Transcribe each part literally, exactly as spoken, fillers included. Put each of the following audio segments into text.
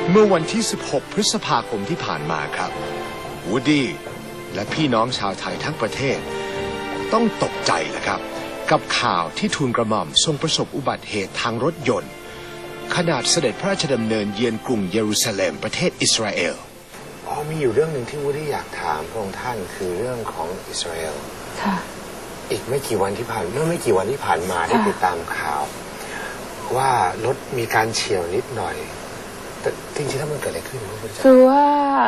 เมื่อวันที่ สิบหก พฤษภาคมที่ผ่านมาครับวูดดี้และพี่น้องชาวไทยทั้งประเทศต้องตกใจแหละครับกับข่าวที่ทูลกระหม่อมทรงประสบอุบัติเหตุทางรถยนต์ขณะเสด็จพระราชดำเนินเยือนกรุงเยรูซาเล็มประเทศอิสราเอลอ๋อมีอยู่เรื่องหนึ่งที่วูดดี้อยากถามพระองค์ท่านคือเรื่องของอิสราเอลค่ะอีกไม่กี่วันที่ผ่านเมื่อไม่กี่วันที่ผ่านมาได้ติดตามข่าวว่ารถมีการเฉี่ยวนิดหน่อยแต่จริงๆแล้วมันเกิดอะไรขึ้นคือว่า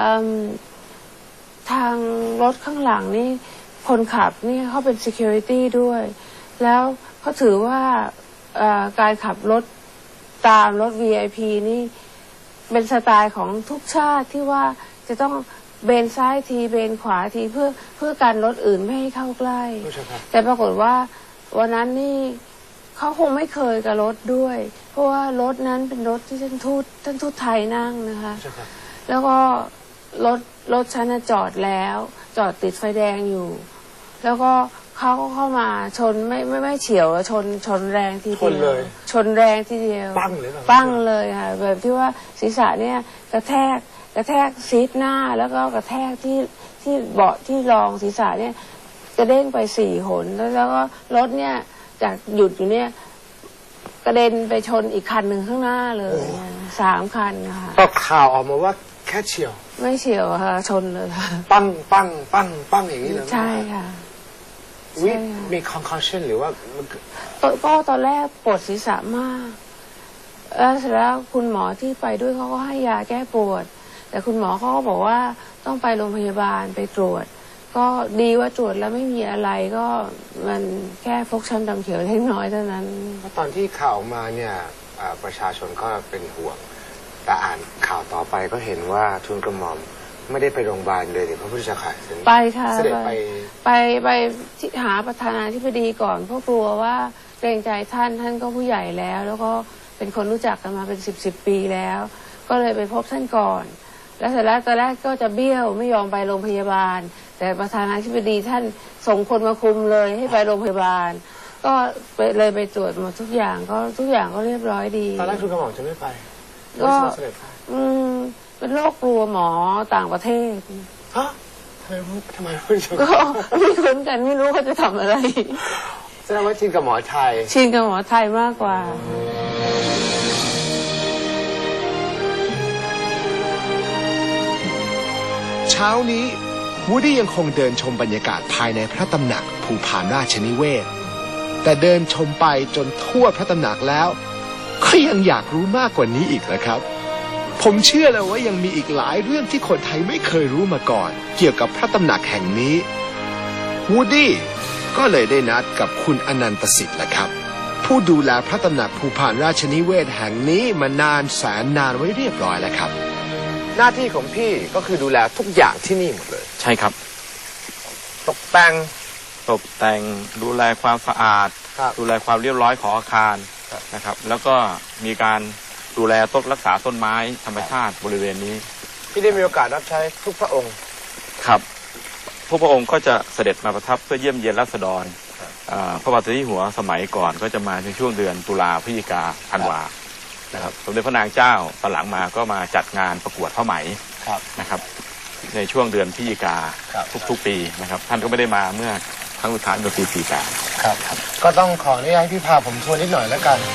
ทางรถข้างหลังนี่คนขับนี่เขาเป็น security ด้วยแล้วเขาถือว่าการขับรถตามรถ วี ไอ พี นี่เป็นสไตล์ของทุกชาติที่ว่าจะต้องเบนซ้ายทีเบนขวาทีเพื่อเพื่อการรถอื่นไม่ให้เข้าใกล้แต่ปรากฏว่าวันนั้นนี่เขาคงไม่เคยกับรถด้วยเพราะว่ารถนั้นเป็นรถที่ท่านทูตท่านทูตไทยนั่งนะคะแล้วก็รถรถฉันจอดแล้วจอดติดไฟแดงอยู่แล้วก็เขาก็เข้ามาชนไม่ไม่ไม่เฉียวชนชนแรงทีเดียวชนแรงทีเดียวปั้งเลยปั้งเลยค่ะแบบที่ว่าศีรษะเนี่ยกระแทกกระแทกซีทหน้าแล้วก็กระแทกที่ที่เบาะที่รองศีรษะเนี่ยกระเด้งไปสี่หนแล้วแล้วก็รถเนี่ยจากหยุดอยู่เนี่ยกระเด็นไปชนอีกคันหนึ่งข้างหน้าเลยสามคันค่ะก็ข่าวออกมาว่าแค่เฉียวไม่เฉียวค่ะชนเลยค่ะปั้งปั้งปั้งปั้งอย่างนี้เลยใช่ค่ะวิมี concussion หรือว่าก็ตอนแรกปวดศีรษะมากแล้วเสร็จแล้วคุณหมอที่ไปด้วยเขาก็ให้ยาแก้ปวดแต่คุณหมอเขาก็บอกว่าต้องไปโรงพยาบาลไปตรวจก็ดีว่าตรวจแล้วไม่มีอะไรก็มันแค่ฟกช้ำดำเขียวเล็กน้อยเท่านั้นเพราะตอนที่ข่าวมาเนี่ยประชาชนก็เป็นห่วงแต่อ่านข่าวต่อไปก็เห็นว่าทูลกระหม่อมไม่ได้ไปโรงพยาบาลเลยเดี๋ยวพระพุทธเจ้าค่ะไปค่ะเสด็จไปไปไปหาประธานาธิบดีก่อนเพราะกลัวว่าเกรงใจท่านท่านก็ผู้ใหญ่แล้วแล้วก็เป็นคนรู้จักกันมาเป็นสิบสิบปีแล้วก็เลยไปพบท่านก่อนแล้วเสร็จแล้วตอนแรกก็จะเบี้ยวไม่ยอมไปโรงพยาบาลแต่ประธานาธิบดีท่านส่งคนมาคุมเลยให้ไปโรงพยาบาลก็เลยไปตรวจหมดทุกอย่างก็ทุกอย่างก็เรียบร้อยดีตอนแรกทูลกระหม่อมจะไม่ไปก็อืมเป็นโรคกลัวหมอต่างประเทศฮะทำไมทำไมไม่ชก็ไม่คุ้นกันไม่รู้เขาจะทำอะไรแสดงว่าชินกับหมอไทยชินกับหมอไทยมากกว่าเช้านี้วูดดี้ยังคงเดินชมบรรยากาศภายในพระตำหนักภูผาราชนิเวศแต่เดินชมไปจนทั่วพระตำหนักแล้วก็ยังอยากรู้มากกว่านี้อีกนะครับผมเชื่อเลยว่ายังมีอีกหลายเรื่องที่คนไทยไม่เคยรู้มาก่อนเกี่ยวกับพระตำหนักแห่งนี้วูดดี้ก็เลยได้นัดกับคุณอนันตสิทธิ์แหละครับผู้ดูแลพระตำหนักภูผาราชนิเวศแห่งนี้มานานแสนนานไว้เรียบร้อยแล้วครับหน้าที่ของพี่ก็คือดูแลทุกอย่างที่นี่หมดเลยใช่ครับตกแต่งตกแต่งดูแลความสะอาดดูแลความเรียบร้อยของอาคารนะครับแล้วก็มีการดูแลต้นรักษาต้นไม้ธรรมชาติบริเวณนี้พี่ได้มีโอกาสรับใช้ทุกพระองค์ครับพวกพระองค์ก็จะเสด็จมาประทับเพื่อเยี่ยมเยียนราษฎรพระบาทสมเด็จหัวสมัยก่อนก็จะมาในช่วงเดือนตุลาพฤศจิกาธันวานะครับสมเด็จพระนางเจ้าตอนหลังมาก็มาจัดงานประกวดผ้าไหมนะครับในช่วงเดือนพฤศจิกาทุกๆปีนะครับท่านก็ไม่ได้มาเมื่อครั้งสุดท้ายเมื่อปีสี่แปดครับก็ต้องขออนุญาตให้พี่พาผมทัวร์นิดหน่อยแล้วกัน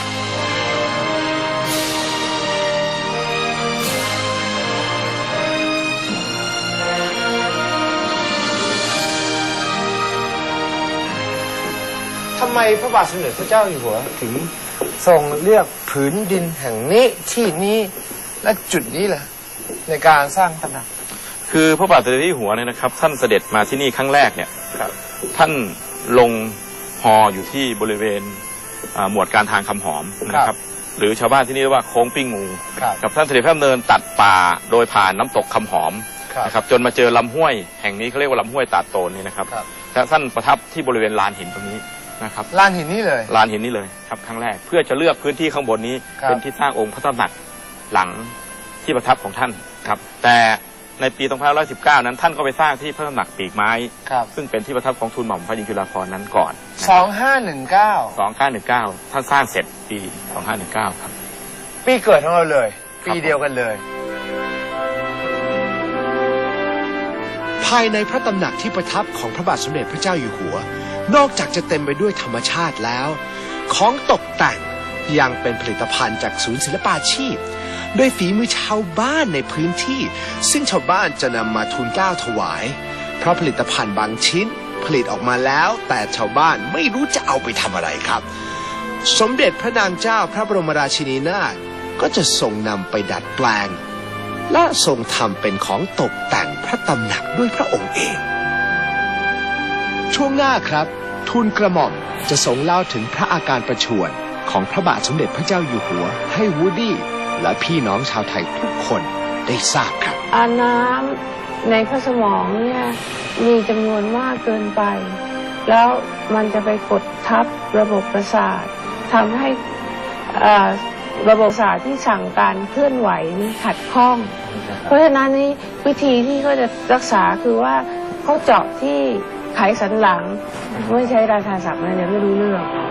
ทำไมพระบาทสมเด็จพระเจ้าอยู่หัวถึงทรงเลือกผืนดินแห่งนี้ที่นี้และจุดนี้แหละในการสร้างตำหนักคือพระบาทสมเด็จที่หัวเนี่ยนะครับท่านเสด็จมาที่นี่ครั้งแรกเนี่ยท่านลงฮออยู่ที่บริเวณหมวดการทางคำหอมนะครับหรือชาวบ้านที่นี่เรียกว่าโค้งปิ้งงูกับท่านเสด็จพระดำเนินตัดป่าโดยผ่านน้ำตกคำหอมนะครับจนมาเจอลำห้วยแห่งนี้เขาเรียกว่าลำห้วยตาดโตนนี่นะครับและท่านประทับที่บริเวณลานหินตรงนี้นะครับลานหินนี้เลยลานหินนี้เลยครับครั้งแรกเพื่อจะเลือกพื้นที่ข้างบนนี้เป็นที่สร้างองค์พระตำหนักหลังที่ประทับของท่านครับแต่ในปีสองพันห้าร้อยสิบเก้านั้นท่านก็ไปสร้างที่พระตำหนักปีกไม้ซึ่งเป็นที่ประทับของทูลหม่อมพระหญิงจุฬาภรณ์นั้นก่อนสองห้าหนึ่งเก้าสองห้าหนึ่งเก้าท่านสร้างเสร็จปีสองห้าหนึ่งเก้าครับปีเกิดของเราเลยปีเดียวกันเลยภายในพระตำหนักที่ประทับของพระบาทสมเด็จพระเจ้าอยู่หัว นอกจากจะเต็มไปด้วยธรรมชาติแล้ว ของตกแต่งยังเป็นผลิตภัณฑ์จากศูนย์ศิลปาชีพโดยฝีมือชาวบ้านในพื้นที่ ซึ่งชาวบ้านจะนำมาทูลเกล้าถวาย เพราะผลิตภัณฑ์บางชิ้นผลิตออกมาแล้ว แต่ชาวบ้านไม่รู้จะเอาไปทำอะไรครับ สมเด็จพระนางเจ้าพระบรมราชินีนาถก็จะทรงนำไปดัดแปลง และทรงทำเป็นของตกแต่งพระตำหนักด้วยพระองค์เอง ช่วงหน้าครับทูลกระหม่อมจะทรงเล่าถึงพระอาการประชวรของพระบาทสมเด็จพระเจ้าอยู่หัวให้วูดดี้และพี่น้องชาวไทยทุกคนได้ทราบครับอาน้ำในพระสมองเนี่ยมีจำนวนมากเกินไป แล้วมันจะไปกดทับระบบประสาททำให้เอ่อระบบประสาทที่สั่งการเคลื่อนไหวนี่ขัดข้อง เพราะฉะนั้นนี่วิธีที่เขาจะรักษาคือว่าเขาเจาะที่ไขสันหลังไม่ใช้ราชาศัพท์นะเนี่ยไม่รู้เรื่อง